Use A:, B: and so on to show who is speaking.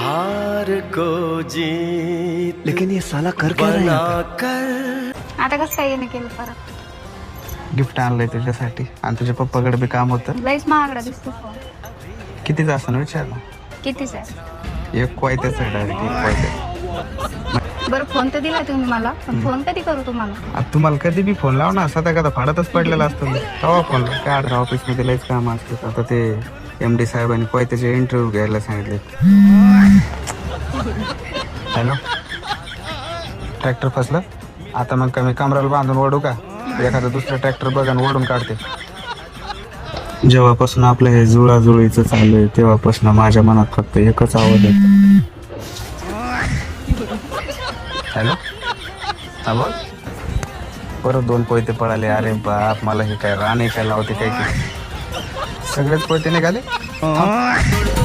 A: हार को जीत
B: लेकिन ये साला कर क्या रहा है
A: कर
C: आता कसं काय येणं केलं परत?
B: गिफ्ट आणलंय तुझ्यासाठी आणि तुझ्या पप्पाकडे बी काम होतं.
C: लईच महागडा दिसतो फोन.
B: कितीच असं विचार ना.
C: कितीच आहे?
B: एक क्वायत्याच आहे डायरेक्ट एक क्वायत्या.
C: बरं फोन तर दिला तुम्ही मला, पण फोन कधी करू तुम्हाला?
B: आता तुम्हाला कधी बी फोन लाव ना, सध्या कदा फाडतच पडलेला असतो मी. तेव्हा फोन काय ऑफिसमध्ये लयच काम असतं. आता ते MD साहेबांनी क्वायत्याचे इंटरव्ह्यू घ्यायला सांगितले. हॅलो, ट्रॅक्टर फसलं आता. मग कमी कमराला बांधून ओढू का? एखादा दुसरा ट्रॅक्टर बघा आणि ओढून काढते. जेव्हापासून आपलं हे जुळाजुळीचं चालू आहे तेव्हापासून माझ्या मनात फक्त एकच आवाज आहे. हॅलो, हा बोल. परत 2 पोयते पळाले. अरे बाप, मला हे काय राणे काय लावते काय की. सगळेच पोयते निघाले.